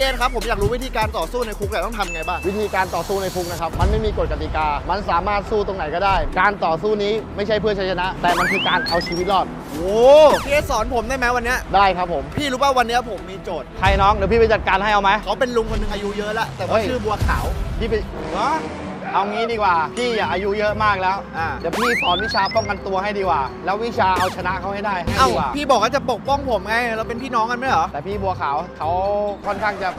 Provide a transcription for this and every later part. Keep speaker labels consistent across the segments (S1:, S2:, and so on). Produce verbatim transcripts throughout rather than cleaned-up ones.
S1: สครับผมอยากรู้วิธีการต่อสู้ในคุกเนี่ยต้องทำไงบ้าง
S2: วิธีการต่อสู้ในคุกนะครับมันไม่มีกฎกติกามันสามารถสู้ตรงไหนก็ได้การต่อสู้นี้ไม่ใช่เพื่อชัยชนะแต่มันคือการเอาชีวิตรอด
S1: โอ้พี่เอสสอนผมได้ไหมวันนี้
S2: ได้ครับผม
S1: พี่รู้ป่ะวันนี้ผมมีโจทย์
S2: ใครน้องเดี๋ยวพี่ไปจัดการให้เอาไหม
S1: เขาเป็นลุงคนนึงอายุเยอะแล้วแต่ว่าชื่อบัวขาว
S2: พี่ไปเอางี้ดีกว่าพี่อย่าอายุเยอะมากแล้วเดี๋ยวพี่สอนวิชาป้องกันตัวให้ดีกว่าแล้ววิชาเอาชนะเขาให้ได้ให้ดีกว่า
S1: พี่บอกว่าจะปกป้องผมไงเราเป็นพี่น้องกันไม่เหรอ
S2: แต่พี่บัวขาวเขาค่อนข้างจะ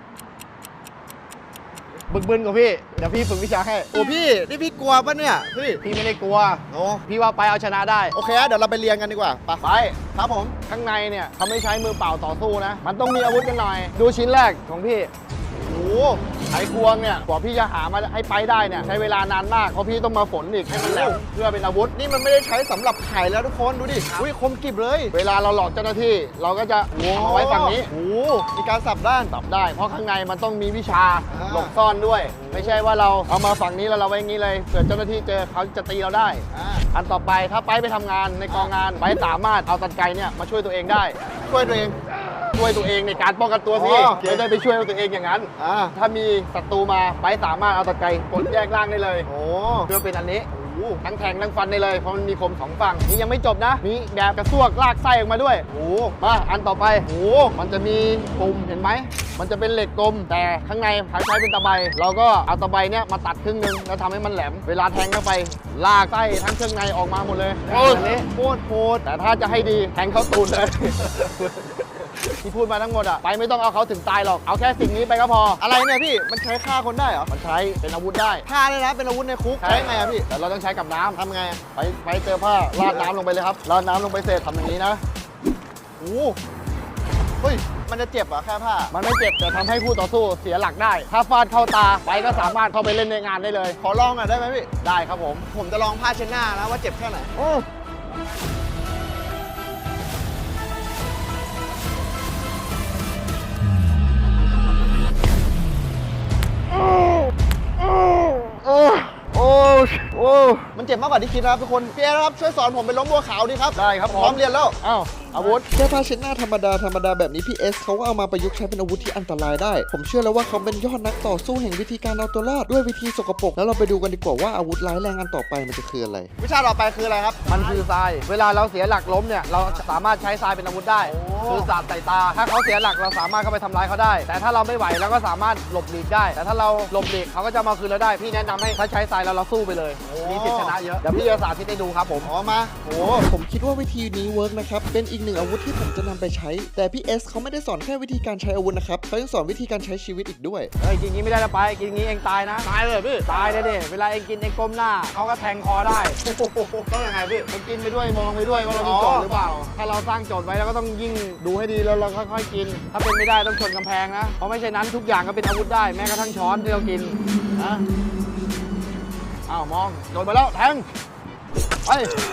S2: บึกบึนกว่าพี่เดี๋ยวพี่ฝึกวิชาให้
S1: โอ้พี่นี่พี่กลัวปะเนี่ยพี่
S2: พี่ไม่ได้กลัว
S1: โอ้
S2: พี่ว่าไปเอาชนะได้
S1: โอเคเดี๋ยวเราไปเรียนกันดีกว่าไป
S2: ไป
S1: ครับผม
S2: ข้างในเนี่ยเขาไม่ใช้มือเปล่าต่อสู้นะมันต้องมีอาวุธกันหน่อยดูชิ้นแรกของพี่
S1: โอ้
S2: ไขควงเนี่ยกว่าพี่จะหามาให้ไปได้เนี่ยใช้เวลานานมากเพราะพี่ต้องมาฝนอีกให้มันแหลมเพื่อเป็นอาวุธ
S1: นี่มันไม่ได้ใช้สำหรับไขแล้วทุกคนดูดิอุ้ยคมกริบเลย
S2: เวลาเราหลอกเจ้าหน้าที่เราก็จะเอาไว้ฝั่งนี้
S1: โอ้มีการสับด้าน
S2: สับได้เพราะข้างในมันต้องมีวิชาหลบซ่อนด้วยไม่ใช่ว่าเราเอามาฝั่งนี้แล้วเราไว้อย่างนี้เลยเกิดเจ้าหน้าที่เจอเขาจะตีเราได้อันต่อไปถ้าไปไปทำงานในกองงานไปสามารถเอาตรรไกรเนี่ยมาช่วยตัวเองได้
S1: ช่วยตัวเอง
S2: ช่วยตัวเองในการป้องกันตัวสิไม่ได้ไปช่วยตัวเองอย่างนั้นถ้ามีศัตรูมาไปสามารถเอาตะไคร้กดแยกล่างได้เลยเพื่อเป็นอันนี้ทั้งแทงทั้งฟันได้เลยเพราะมันมีคมสองฝั่งนี่ยังไม่จบนะมีแบบกระซวกลากไส้ออกมาด้วยโอ้มาอันต่อไปโอ้มันจะมีปุ่มเห็นไหมมันจะเป็นเหล็กกลมแต่ข้างในใช้เป็นตะไบเราก็เอาตะไบเนี้ยมาตัดครึ่งนึงแล้วทำให้มันแหลมเวลาแทงเข้าไปลากไส้ทั้งเครื่องในออกมาหมดเลย
S1: โอ้โหโคตรโหด
S2: แต่ถ้าจะให้ดีแทงเข้าตูดเลยที่พูดมาทั้งหมดอะไปไม่ต้องเอาเขาถึงตายหรอกเอาแค่สิ่งนี้ไปก็พอ
S1: อะไรเนี่ยพี่มันใช้ฆ่าคนได้เหรอ
S2: มันใช้เป็นอาวุธได้
S1: ฆ่าเลยนะเป็นอาวุธในคุกใช้ไงอะพี่
S2: แต่เราต้องใช้กับน้ำ
S1: ทำไง
S2: ไปไปเจอผ้าราดน้ำลงไปเลยครับราดน้ำลงไปเสร็จทำอย่างนี้นะ
S1: โอ้เฮ้ยมันจะเจ็บเหรอแค่ผ้า
S2: มันไม่เจ็บแต่ทำให้คู่ต่อสู้เสียหลักได้ถ้าฟาดเข้าตาไปก็สามารถเข้าไปเล่นในงานได้เลย
S1: ขอลองหน่อยได้ไหมพี่
S2: ได้ครับผม
S1: ผมจะลองผ้าเช็ดหน้านะว่าเจ็บแค่ไหนโอ้โอ้มันเจ็บมากกว่าที่คิดนะครับทุกคนพี่เอครับช่วยสอนผมเป็นล้มบัวขาวดีครับ
S2: ได้ครับ
S1: พร้อมเรียนแล้ว
S2: อ้าวอาวุธ
S1: แค่ผ้าเช็ดหน้าธรรมดาธรรมดาแบบนี้พี่เอสเขาก็เอามาประยุกต์ใช้เป็นอาวุธที่อันตรายได้ผมเชื่อแล้วว่าเขาเป็นยอดนักต่อสู้แห่งวิธีการเอาตัวรอดด้วยวิธีสกปรกแล้วเราไปดูกันดีกว่าว่าอาวุธร้ายแรงอันต่อไปมันจะคืออะไรวิชาต่อไปคืออะไรครับ
S2: มันคือทรายเวลาเราเสียหลักล้มเนี่ยเราสามารถใช้ทรายเป็นอาวุธได้คือสาดใส่ตาถ้าเขาเสียหลักเราสามารถเข้าไปทำร้ายเขาได้แต่ถ้าเราไม่ไหวเราก็สามารถหลบหลีกได้แต่ถ้าเราหลบหลีกเขาก็จะมาคืนเราได้พี่แนะนำให้ถ้าใช้ทรายแล้วเราสู้ไปเลยมีสิทธิชนะเยอะเดี๋ยวพี่จะสาธิตให้ดูครับผม
S1: อ๋อมาโอ้ผมคิดว่าวิธีนี้เวิร์กนะครับเป็นอีกหนึ่งอาวุธที่ผมจะนำไปใช้แต่พี่เอสเขาไม่ได้สอนแค่วิธีการใช้อาวุธนะครับเขายังสอนวิธีการใช้ชีวิตอีกด้วย
S2: เฮ้ยกินงี้ไม่ได้นะไปกินงี้เองตายนะ
S1: ตายเลยพี่
S2: ตายเลยดิเวลาเองกินเองก้มหน้าเขาก็แทงคอได้
S1: ต้องยังไงพี่
S2: มันกินไปด้วยมองไปด้วยว่าเรามีโจทย์หรือเปล่าถ้าเราสร้างโจทย์ไว้เราก็ต้องยิ่งดูให้ดีแล้วเราค่อยๆกินถ้าเป็นไม่ได้ต้องชนกำแพงนะเพราะไม่ใช่นั้นทุกอย่างก็เป็นอาวุธได้แม้กระทั่งช้อนที่เรากินนะอ้าวมองโดนไปแล้วแทงไป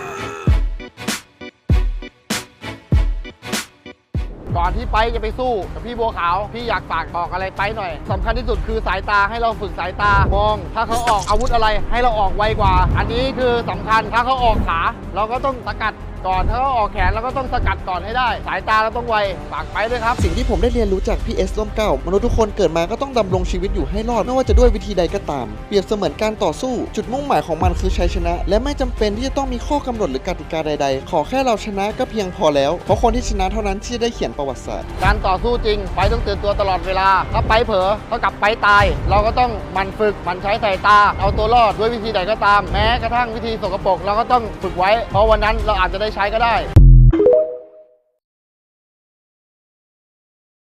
S2: ก่อนที่ไปจะไปสู้กับพี่บัวขาวพี่อยากฝากบอกอะไรไปหน่อยสำคัญที่สุดคือสายตาให้เราฝึกสายตามองถ้าเขาออกอาวุธอะไรให้เราออกไวกว่าอันนี้คือสำคัญถ้าเขาออกขาเราก็ต้องสกัดก่อนถ้าเขาออกแขนเราก็ต้องสกัดก่อนให้ได้สายตาเราต้องไวฝากไปด้วยครับ
S1: สิ่งที่ผมได้เรียนรู้จากพี่เอสร่มเกล้ามนุษย์ทุกคนเกิดมาก็ต้องดำรงชีวิตอยู่ให้รอดไม่ว่าจะด้วยวิธีใดก็ตามเปรียบเสมือนการต่อสู้จุดมุ่งหมายของมันคือชัยชนะและไม่จำเป็นที่จะต้องมีข้อกำหนดหรือกติกาใดๆขอแค่เราชนะก็เพียงพอแล้วเพราะคนที่ชนะเท่านั้นที่จะได้เขียนประวัติศาสตร์
S2: การต่อสู้จริงไปต้องตื่นตัวตลอดเวลาถ้าไปเผลอเท่ากับไปตายเราก็ต้องมันฝึกมันใช้สายตาเอาตัวรอดด้วยวิธีใดก็ตามแม้กระทั่งวิธีสกปรกเราก็ต้องฝึกไว้เพราะวันนั้นเราอาจจะได้ใช้ก็ได้